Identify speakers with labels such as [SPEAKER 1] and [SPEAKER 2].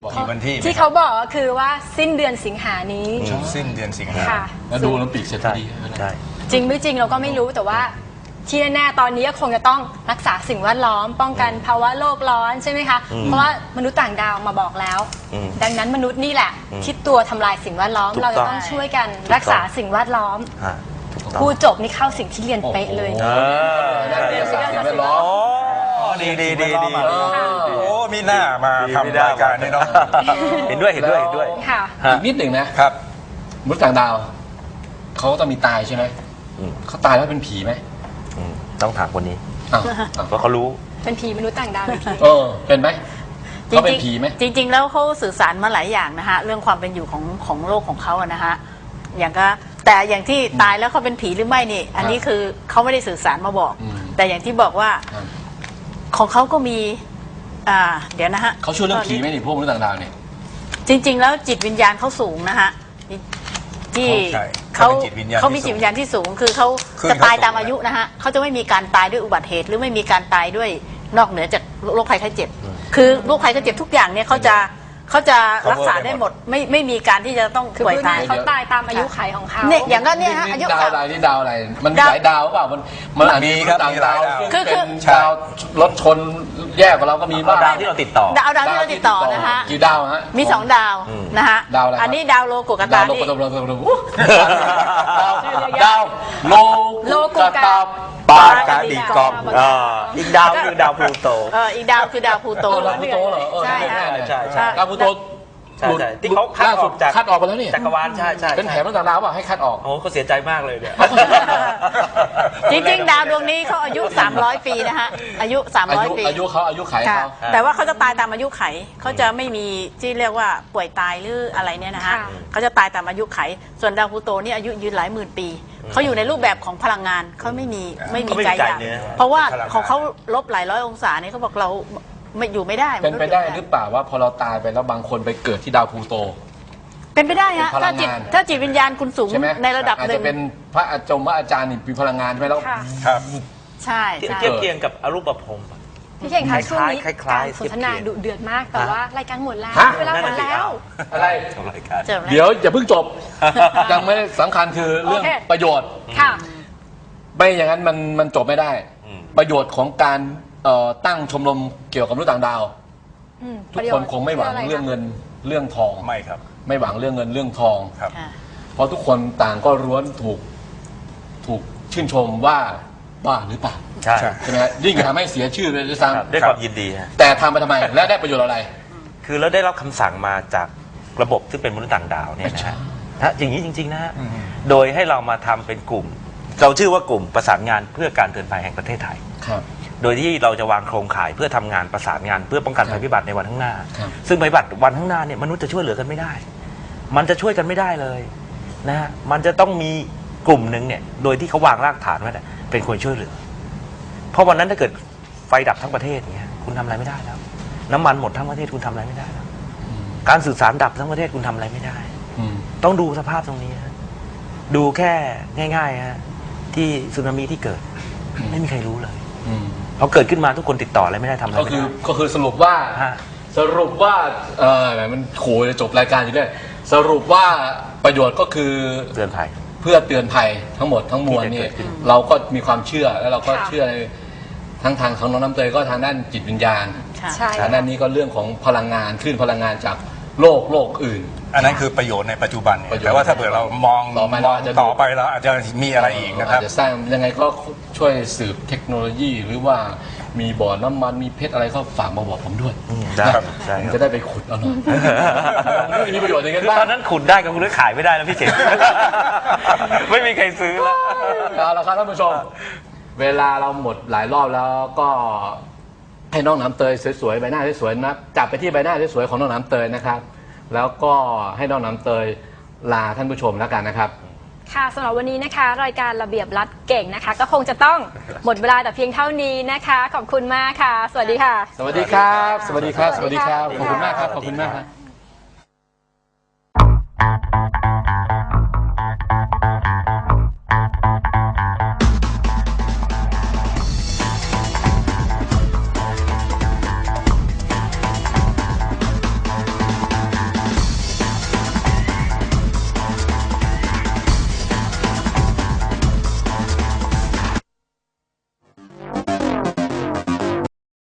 [SPEAKER 1] วันที่
[SPEAKER 2] เขาบอกก็คือว่าสิ้นเดือนสิงหานี้
[SPEAKER 1] สิ้นเดือนสิงหา
[SPEAKER 3] แล้วดูโอลิมปิกเสร็จพอดี
[SPEAKER 4] ใช่
[SPEAKER 2] จริงไม่จริงเราก็ไม่รู้แต่ว่าที่แน่ๆตอนนี้ก็คงจะต้องรักษาสิ่งแวดล้อมป้องกันภาวะโลกร้อนใช่ไหมคะเพราะว่ามนุษย์ต่างดาวมาบอกแล้วดังนั้นมนุษย์นี่แหละคิดตัวทำลายสิ่งแวดล้อมเราจะต้องช่วยกันรักษาสิ่งแวดล้อมผู้จบนี่เข้าสิ่งที่เรียนเป๊ะเลย
[SPEAKER 3] สิ่งแวดล้อม
[SPEAKER 4] ดี
[SPEAKER 1] โอ้มีหน้ามาทำรายการนี่เนาะ
[SPEAKER 4] เห็นด้วย
[SPEAKER 2] ค่ะ
[SPEAKER 3] อีกนิดหนึ่งนะครับมนุษย์ต่างดาวเขาต้องมีตายใช่ไหมเขาตายแล้วเป็นผีไหม
[SPEAKER 4] ต้องถามคนนี้เพราะเขารู้
[SPEAKER 2] เป็นผีมนุษย์ต่างดาวเป็นผี
[SPEAKER 3] เป็นไหมเขาเป็นผีไหม
[SPEAKER 5] จริงๆแล้วเขาสื่อสารมาหลายอย่างนะฮะเรื่องความเป็นอยู่ของโลกของเขาอะนะฮะอย่างก็แต่อย่างที่ตายแล้วเขาเป็นผีหรือไม่นี่อันนี้คือเขาไม่ได้สื่อสารมาบอกแต่อย่างที่บอกว่าของเขาก็มีเดี๋ยวนะฮะ
[SPEAKER 3] เขาช่วยเรื่องผีไหมนี่พวกมนุษย์ต่างดาวเนี่ย
[SPEAKER 5] จริงๆแล้วจิตวิญญาณเขาสูงนะฮะที่เขามีจิตวิญญาณที่สูงคือเขาจะตายตามอายุนะฮะเขาจะไม่มีการตายด้วยอุบัติเหตุหรือไม่มีการตายด้วยนอกเหนือจากโรคภัยไข้เจ็บคือโรคภัยไข้เจ็บทุกอย่างเนี่ยเขาจะรักษาได้หมดไม่มีการที่จะต้องป่วยตาย
[SPEAKER 2] เขาตายตามอายุขัยของเขา
[SPEAKER 5] เนี่ยอย่างนั้นเนี่ยฮะอายุ
[SPEAKER 3] ดาวอะไรนี่ดาวอะไรมันมีหลายดาวเปล่ามัน
[SPEAKER 1] มีครับมีหลายดาว
[SPEAKER 3] คือดาวรถชนแยกกับเราก็มีบ้าง
[SPEAKER 4] ดาวที่เราติดต่อ
[SPEAKER 5] ดาวที่เราติดต่อนะฮะ
[SPEAKER 3] กี่ดาวฮะ
[SPEAKER 5] มี2ดาวนะฮะ
[SPEAKER 3] ดาวอะไร
[SPEAKER 5] อันนี้ดาวโลกุกตานี่
[SPEAKER 3] ดาวโลกุกตา
[SPEAKER 4] ปากาดิกอมอีกดาวคือดาวพลูโต
[SPEAKER 5] อีกดาวคือดาวพลูโต
[SPEAKER 3] ดาวพลูโตเหรอ
[SPEAKER 5] ใช่
[SPEAKER 4] ด
[SPEAKER 3] าวพลูโต
[SPEAKER 4] ที่เขาคัดออก
[SPEAKER 3] ไปแล้วนี่
[SPEAKER 4] จักรวาลใช่
[SPEAKER 3] เป็นแผนต่างดาวป่ะให้คัดออก
[SPEAKER 4] โอ้เขาเสียใจมากเลยเนี่ย
[SPEAKER 5] จริงๆดาวดวงนี้เขาอายุ300 ปีนะฮะอายุ300 ปี
[SPEAKER 3] อายุไขเขา
[SPEAKER 5] แต่ว่าเขาจะตายตามอายุไขเขาจะไม่มีที่เรียกว่าป่วยตายหรืออะไรเนี่ยนะฮะเขาจะตายตามอายุไขส่วนดาวพลูโตนี่อายุยืนหลายหมื่นปีเขาอยู่ในรูปแบบของพลังงานเขาไม่มีใจอย่างเพราะว่าของเขาลบหลายร้อยองศาเนี่ยเขาบอกเราไม่อยู่ไม่ได้
[SPEAKER 3] เป็นไปได้หรือเปล่าว่าพอเราตายไปแล้วบางคนไปเกิดที่ดาวพลูโต
[SPEAKER 5] เป็นไปได้ฮะถ้าจิตวิญญาณคุณสูงในระดับหนึ่ง
[SPEAKER 3] อาจจะเป็นพระอาจารย์นี่มีพลังงานใช่ไหมแล้ว
[SPEAKER 1] ครับ
[SPEAKER 5] ใช่
[SPEAKER 4] เทียบเคียงกับอรูปภพ
[SPEAKER 2] พี่เก่งคะช่วงนี้การสนทนาดุเดือดมากแต่ว่ารายการหมดแล้วเวลาหมดแล้ว
[SPEAKER 3] อะไรเดี๋ยวอย่าเพิ่งจบยังไม่สำคัญคือเรื่องประโยชน์ไม่อย่างนั้นมันจบไม่ได้ประโยชน์ของการตั้งชมรมเกี่ยวกับมนุษย์ต่างดาวทุกคนคงไม่หวังเรื่องเงินเรื่องทอง
[SPEAKER 1] ไม่ครับ
[SPEAKER 3] ไม่หวังเรื่องเงินเรื่องทอง
[SPEAKER 1] ครับ
[SPEAKER 3] เพราะทุกคนต่างก็ล้วนถูกชื่นชมว่าบ้าหรือเปล่าใช่ไหมยิ่งทำให้เสียชื่อเลยด้วยซ้ำ
[SPEAKER 4] ด้วยความยินดี
[SPEAKER 3] แต่ทำไปทำไมและได้ประโยชน์อะไร
[SPEAKER 4] คือเราได้รับคำสั่งมาจากระบบที่เป็นมนุษย์ต่างดาวเนี่ยนะฮะอย่างนี้จริงๆนะฮะโดยให้เรามาทำเป็นกลุ่มเราชื่อว่ากลุ่มประสานงานเพื่อการเตือนภัยแห่งประเทศไทยโดยที่เราจะวางโครงข่ายเพื่อทำงานประสานงานเพื่อป้องกันภัยพิบัติในวันข้างหน้าซึ่งภัยพิบัติวันข้างหน้าเนี่ยมนุษย์จะช่วยเหลือกันไม่ได้มันจะช่วยกันไม่ได้เลยนะฮะมันจะต้องมีกลุ่มหนึ่งเนี่ยโดยที่เขาวางรากฐานไว้เป็นคนช่วยเหลือเพราะวันนั้นถ้าเกิดไฟดับทั้งประเทศเนี่ยคุณทำอะไรไม่ได้แล้วน้ำมันหมดทั้งประเทศคุณทำอะไรไม่ได้แล้วการสื่อสารดับทั้งประเทศคุณทำอะไรไม่ได้ต้องดูสภาพตรงนี้ดูแค่ง่ายๆฮะที่สึนามิที่เกิดไม่มีใครรู้เลยพอเกิดขึ้นมาทุกคนติดต่ออะไรไม่ได้ทำอะไร
[SPEAKER 3] ก็คือสรุปว่ามันโขจะจบรายการอยู่ด้วยสรุปว่าประโยชน์ก็คือ
[SPEAKER 4] เตือนภัย
[SPEAKER 3] เพื่อเตือนภัยทั้งหมดทั้งมวลนี่เราก็มีความเชื่อแล้วเราก็เชื่อในทั้งทางของน้องน้ำเตยก็ทางด้านจิตวิญญาณทางด้านนี้ก็เรื่องของพลังงานคลื่นพลังงานจากโลกอื่น
[SPEAKER 1] อันนั้นคือประโยชน์ในปัจจุบันแต่ว่าถ้าเผื่อเรามองต่อไปแล้วอาจจะมีอะไรอีกนะครับ
[SPEAKER 3] จะสร้างยังไงก็ช่วยสืบเทคโนโลยีหรือว่ามีบ่อน้ำมันมีเพชรอะไรก็ฝากมาบอกผมด้วยผมจะได้ไปขุดเอาหน่อยมีประโยชน์อย่างนั้นบ้าง
[SPEAKER 4] ตอนนั้นขุดได้ก็คุณได้ขายไม่ได้แล้วพี่เจ๋งไม่มีใครซื้อแล้ว
[SPEAKER 3] เอาละครับท่านผู้ชมเวลาเราหมดหลายรอบแล้วก็ให้น้องน้ำเตยสวยๆใบหน้าสวยๆนะจับไปที่ใบหน้าสวยๆของน้องน้ำเตยนะครับแล้วก็ให้น้องน้ำเตยลาท่านผู้ชมแล้วกันนะครับ
[SPEAKER 2] ค่ะสำหรับวันนี้นะคะรายการระเบียบรัดเก่งนะคะก็คงจะต้องหมดเวลาแต่เพียงเท่านี้นะคะขอบคุณมากค่ะสวัสดีค่ะ
[SPEAKER 3] สวัสดีครับสวัสดีครับสวัสดีครับขอบคุณมากครับขอบคุณมากครับ